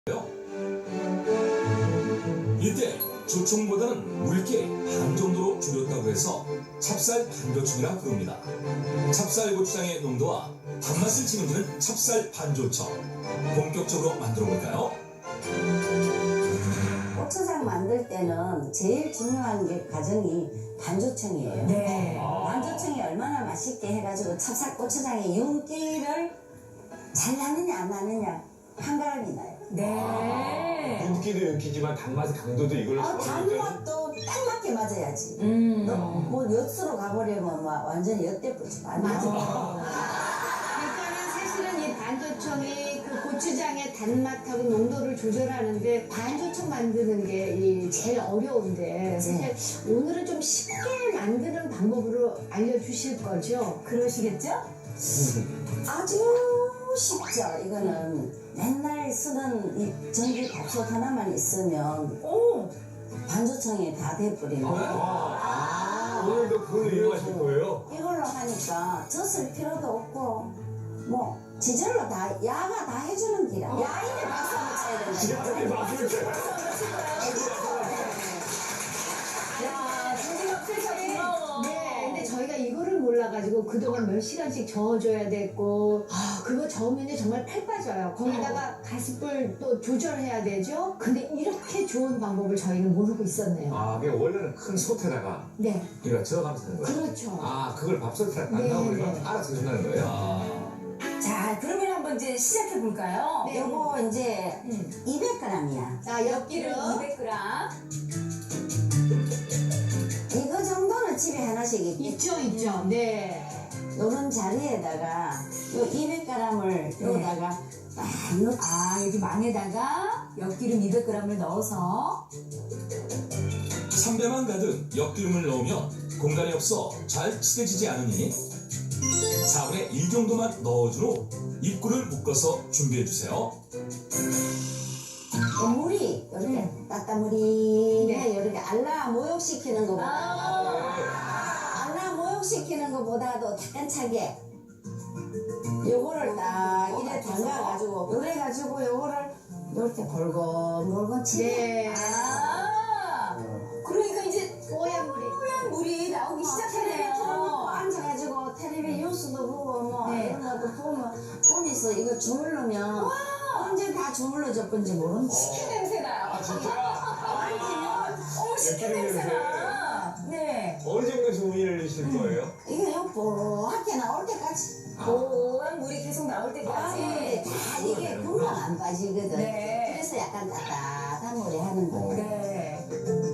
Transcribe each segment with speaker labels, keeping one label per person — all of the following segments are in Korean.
Speaker 1: 이때 조총보다는 묽게 반 정도로 줄였다고 해서 찹쌀 반조청이라 부릅니다. 찹쌀 고추장의 농도와 단맛을 책임지는 찹쌀 반조청. 본격적으로 만들어 볼까요?
Speaker 2: 고추장 만들 때는 제일 중요한 게 과정이 반조청이에요.
Speaker 3: 네.
Speaker 2: 반조청이 얼마나 맛있게 해가지고 찹쌀 고추장의 윤기를 잘 나느냐 안 나느냐 판가름이 나요.
Speaker 3: 네.
Speaker 4: 윤기도 윤기지만 단맛의 강도도 이걸로 잡아주죠.
Speaker 2: 단맛도 딱 맞게 맞아야지. 뭐 엿으로 가버리면 막 완전히 엿대뿌리지. 안 맞아.
Speaker 5: 그러니까는 사실은 이 반조청이 그 고추장의 단맛하고 농도를 조절하는데 반조청 만드는 게 제일 어려운데 사실 오늘은 좀 쉽게 만드는 방법으로 알려주실 거죠?
Speaker 3: 그러시겠죠?
Speaker 2: 아주 쉽죠. 이거는 맨날 쓰는 이 전기 밥솥 하나만 있으면
Speaker 3: 오!
Speaker 2: 반조청이 다 돼버리는 거예요.
Speaker 4: 오늘도 그걸 이용하실 거예요?
Speaker 2: 이걸로 하니까 젖을 필요도 없고 뭐 지절로 다 야가 다 해주는 기라. 야인의 박수 한번 쳐야 된다.
Speaker 4: 진짜 맛을 쳐.
Speaker 3: 야, 진지가 필터 고마워.
Speaker 5: 네, 근데 저희가 이거를 몰라가지고 그동안 몇 시간씩 저어줘야 됐고 그거 저으면 정말 팔 빠져요. 거기다가 가스불 또 조절해야 되죠. 근데 이렇게 좋은 방법을 저희는 모르고 있었네요.
Speaker 4: 아, 그게 원래는 큰 솥에다가
Speaker 5: 네,
Speaker 4: 우리가 저어가면서 하는 거예요?
Speaker 5: 그렇죠.
Speaker 4: 아, 그걸 밥솥에다 딱
Speaker 5: 네,
Speaker 4: 넣어버리면
Speaker 5: 네.
Speaker 4: 알아서 해준다는 거예요?
Speaker 3: 자, 그러면 한번 이제 시작해 볼까요?
Speaker 5: 네.
Speaker 2: 요거 이제 200g이야.
Speaker 5: 자, 엿기름.
Speaker 3: 200g.
Speaker 2: 이거 정도는 집에 하나씩 있겠지.
Speaker 5: 있죠. 네.
Speaker 2: 요런 자리에다가 요 200g을 요다가 딱 넣고
Speaker 3: 아, 여기 망에다가 엿기름 200g을 넣어서
Speaker 1: 선배만 가득 엿기름을 넣으면 공간이 없어 잘 칠해지지 않으니 4분의 1 정도만 넣어준 후 입구를 묶어서 준비해주세요.
Speaker 2: 물이 이렇게 따따물이
Speaker 5: 네.
Speaker 2: 이렇게 알라 모욕시키는 것보다
Speaker 3: 아.
Speaker 2: 알라 모욕시키는 것보다도 따끈차게 요거를 딱 이래 담가가지고 요래가지고 요거를 이렇게 골곤 치네.
Speaker 5: 네.
Speaker 3: 아. 그러니까 이제
Speaker 5: 뽀얀 물이.
Speaker 3: 뽀얀 물이 나오기 시작하네요.
Speaker 2: 앉아가지고 텔레비 뉴스도 보고 뭐
Speaker 3: 네.
Speaker 2: 이런 것도 보면서 이거 주물르면 언제 다 주물러져 건지 모른다.
Speaker 3: 식혜 냄새 나요.
Speaker 4: 아, 진짜?
Speaker 3: 어머, 식혜
Speaker 4: 엿기름
Speaker 3: 냄새
Speaker 4: 냄새.
Speaker 3: 나. 네.
Speaker 4: 어느 정도 주문을 주실 거예요?
Speaker 2: 이게 요 뽀얗게 나올 때까지
Speaker 3: 뽀얀 물이 계속 나올 때까지.
Speaker 2: 다 이게 금방 안 빠지거든.
Speaker 3: 네.
Speaker 2: 그래서 약간 따뜻한 물에 하는 거예요.
Speaker 3: 네.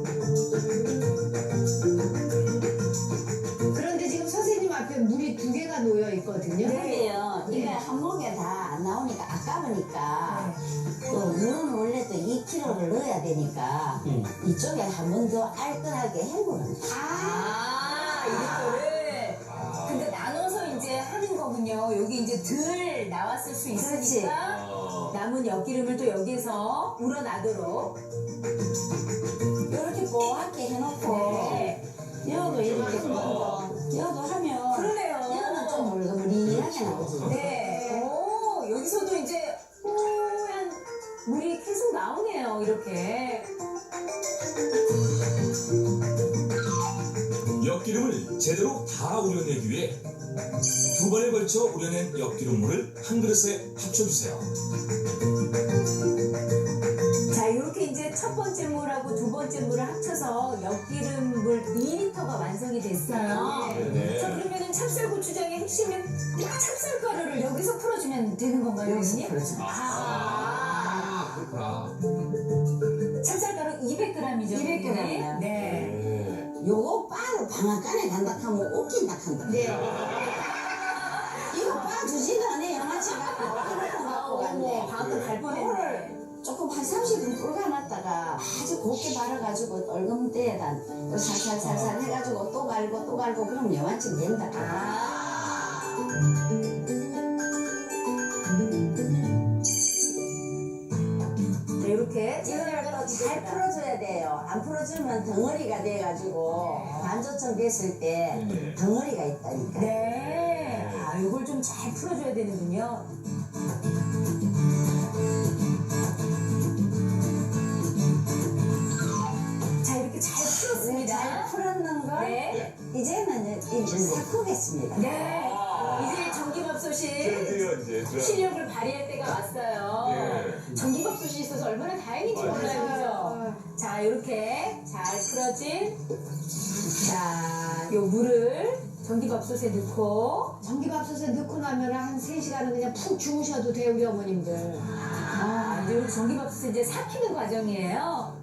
Speaker 5: 그런데 지금 선생님 앞에 물이 2개가 놓여 있거든요.
Speaker 2: 근데요,
Speaker 5: 네.
Speaker 2: 이게 한 목에 다 안 나오니까 아까우니까
Speaker 3: 네.
Speaker 2: 또 물은 원래 또 2kg를 넣어야 되니까 이쪽에 한 번 더 알뜰하게 헹구는 거예요.
Speaker 3: 이거를. 근데 나눠서 이제 하는 거군요. 여기 이제 덜 나왔을 수 있으니까 남은 엿기름을 또 여기서 우러나도록.
Speaker 2: 이렇게 뽀얗게 해놓고
Speaker 3: 네.
Speaker 2: 여도 이렇게 한번 여도 하면
Speaker 3: 그러네요.
Speaker 2: 여는 좀 물그물이하게 나오죠.
Speaker 3: 네. 오, 여기서도 이제 뽀얀 물이 계속 나오네요. 이렇게.
Speaker 1: 엿기름을 제대로 다 우려내기 위해 2번에 걸쳐 우려낸 엿기름물을 한 그릇에 합쳐주세요.
Speaker 3: 자, 이렇게 이제 첫 번째 물하고 두 번째 물을 합쳐서 엿기름 물 2리터가 완성이 됐어요.
Speaker 4: 네.
Speaker 3: 자, 그러면은 찹쌀 고추장의 핵심은 찹쌀가루를 여기서 풀어주면 되는 건가요,
Speaker 2: 여기서
Speaker 3: 여기서?
Speaker 2: 풀어주면
Speaker 4: 아, 그렇구나.
Speaker 3: 찹쌀가루 200g이죠.
Speaker 2: 200g 이요.
Speaker 3: 네.
Speaker 4: 네.
Speaker 2: 요거 바로 방앗간에 간다 하면 웃긴다 한다.
Speaker 5: 네.
Speaker 2: 이거 봐주지도 않아 영화치 갖고 하고 간대.
Speaker 3: 방금 갈 뻔했네.
Speaker 2: 이거를 조금 한 30분 불가놨다가 아주 곱게 발라가지고 얼금 때에다 살살살살 해가지고 또 갈고 그럼 영화쯤 된다.
Speaker 3: 네, 이렇게
Speaker 2: 이거를 또 잘 풀어줘야 돼요. 안 풀어주면 덩어리가 돼가지고 반조청 됐을 때 덩어리가 있다니까.
Speaker 3: 네. 아, 이걸 좀 잘 풀어줘야 되는군요.
Speaker 2: 삭히겠습니다.
Speaker 3: 네. 이제 전기밥솥이
Speaker 4: 드디어 이제
Speaker 3: 실력을 발휘할 때가 왔어요.
Speaker 4: 예.
Speaker 3: 전기밥솥이 있어서 얼마나 다행인지 몰라요, 그죠? 자, 이렇게 잘 풀어진 자, 요 물을 전기밥솥에 넣고
Speaker 5: 전기밥솥에 넣고 나면 한 3시간은 그냥 푹 주무셔도 돼요, 우리 어머님들.
Speaker 3: 이제 우리 전기밥솥에 이제 삭히는 과정이에요.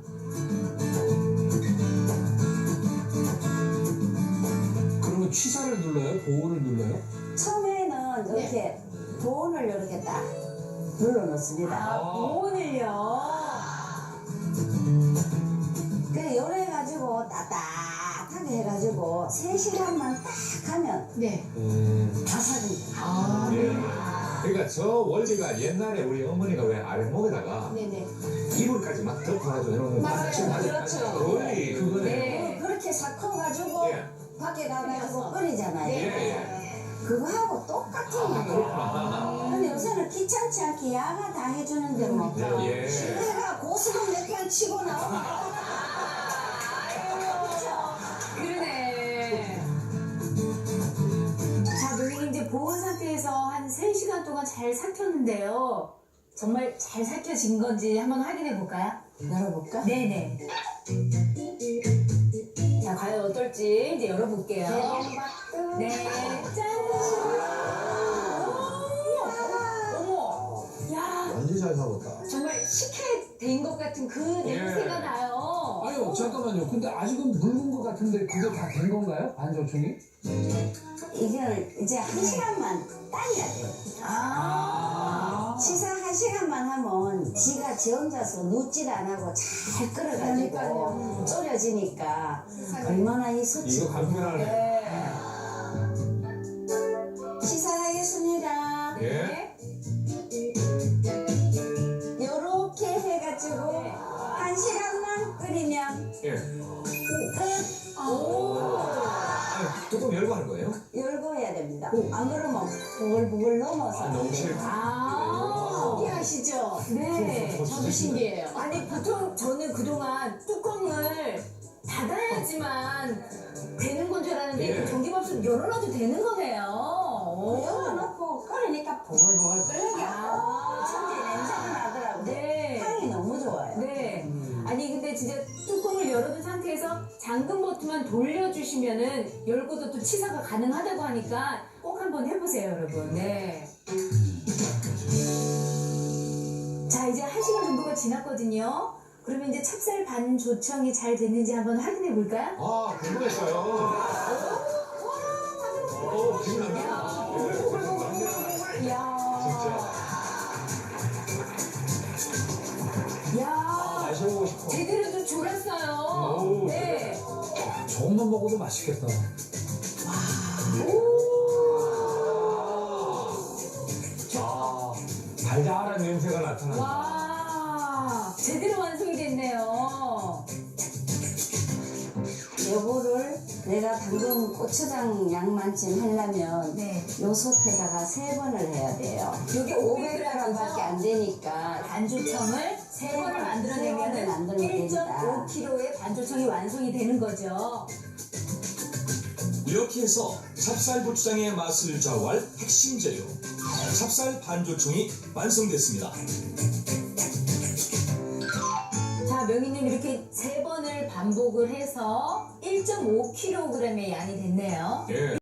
Speaker 6: 그러면 취사를 눌러요? 보온을 눌러요?
Speaker 2: 처음에는 이렇게 보온을 이렇게 딱 눌러 놓습니다.
Speaker 3: 보온을요.
Speaker 2: 그래 요래 가지고 따뜻하게 해가지고 3시간만 딱 하면
Speaker 5: 네.
Speaker 2: 다 삭입니다.
Speaker 4: 예. 그러니까 저 원리가 옛날에 우리 어머니가 왜 아랫목에다가
Speaker 5: 네네.
Speaker 4: 이불까지 막 덮어가지고 이런 거
Speaker 5: 맞아요.
Speaker 4: 맞춤하는
Speaker 5: 그렇죠.
Speaker 4: 그 원리 그거네.
Speaker 3: 네.
Speaker 2: 그렇게 삭혀가지고
Speaker 4: 예.
Speaker 2: 밖에 가가지고 끓이잖아요.
Speaker 4: 예.
Speaker 2: 그거하고 똑같은 거예요.
Speaker 4: 아,
Speaker 2: 근데 요새는 귀찮지 않게 야가 다 해주는데 뭐
Speaker 4: 예.
Speaker 2: 내가 고스톱 몇판 치고 나오면
Speaker 3: 그러네. 자, 노인님 이제 보온 상태에서 한 3시간 동안 잘 삭혔는데요. 정말 잘 삭혀진 건지 한번 확인해 볼까요?
Speaker 2: 열어볼까?
Speaker 3: 네네. 자, 과연 어떨지 이제 열어볼게요. 네, 짠! 어머! 야,
Speaker 6: 완전 잘 사봤다.
Speaker 5: 정말 식혜된 것 같은 그 냄새가 나요.
Speaker 6: 아유, 잠깐만요. 근데 아직은 묽은 것 같은데 그게 다 된 건가요? 반조청이?
Speaker 2: 이걸 이제 1시간만 따야 돼요. 시사 1시간만 하면 지가 지 혼자서 눕질 안 하고 잘 끓어가지고
Speaker 5: 그러니까요.
Speaker 2: 졸여지니까 얼마나 이 수치.
Speaker 4: 이거 간편하네.
Speaker 3: 네.
Speaker 2: 시사하겠습니다.
Speaker 4: 예.
Speaker 2: 요렇게 해가지고 1시간만 끓이면
Speaker 4: 예.
Speaker 2: 끝.
Speaker 4: 아니, 뚜껑 열고 하는 거예요?
Speaker 2: 열고 해야 됩니다. 안 그러면 보글보글 넘어서.
Speaker 4: 너무 싫다.
Speaker 5: 신기하시죠?
Speaker 3: 네.
Speaker 5: 저도 신기해요.
Speaker 3: 아니, 보통 저는 그동안 뚜껑을 닫아야지만 되는 건 줄 알았는데
Speaker 4: 예.
Speaker 3: 그 전기밥솥 열어놔도 되는 거네요. 오.
Speaker 2: 열어놓고 끓이니까 보글보글 끓는 게 천지 냄새가 나더라고요.
Speaker 3: 네.
Speaker 2: 향이 너무 좋아요.
Speaker 3: 네. 아니 근데 진짜 뚜껑을 열어둔 상태에서 잠금 버튼만 돌려주시면은 열고도 또 치사가 가능하다고 하니까 꼭 한번 해보세요, 여러분. 네. 자, 이제 1시간 정도가 지났거든요. 그러면 이제 찹쌀 반 조청이 잘 됐는지 한번 확인해 볼까요?
Speaker 4: 아, 궁금했어요. 오, 기분 안 나.
Speaker 3: 이야.
Speaker 4: 진짜.
Speaker 3: 이야.
Speaker 4: 마셔보고 싶어.
Speaker 3: 제대로 좀 졸았어요.
Speaker 4: 오,
Speaker 3: 네.
Speaker 6: 저것만 먹어도 맛있겠다.
Speaker 4: 아, 달달한 냄새가 나타난다.
Speaker 3: 와. 제대로 완성이 됐네요.
Speaker 2: 요거를 내가 방금 고추장 양만큼 하려면
Speaker 3: 네.
Speaker 2: 요 솥에다가 3번을 해야 돼요.
Speaker 3: 여기
Speaker 2: 500g밖에 안 되니까
Speaker 3: 반조청을 3번을 만들어내면
Speaker 2: 만들면 됩니다.
Speaker 3: 1.5kg의 반조청이 완성이 되는 거죠.
Speaker 1: 이렇게 해서 찹쌀 고추장의 맛을 좌우할 핵심 재료 찹쌀 반조청이 완성됐습니다.
Speaker 3: 자, 명희님 이렇게 3번을 반복을 해서 1.5kg의 양이 됐네요.
Speaker 4: 예.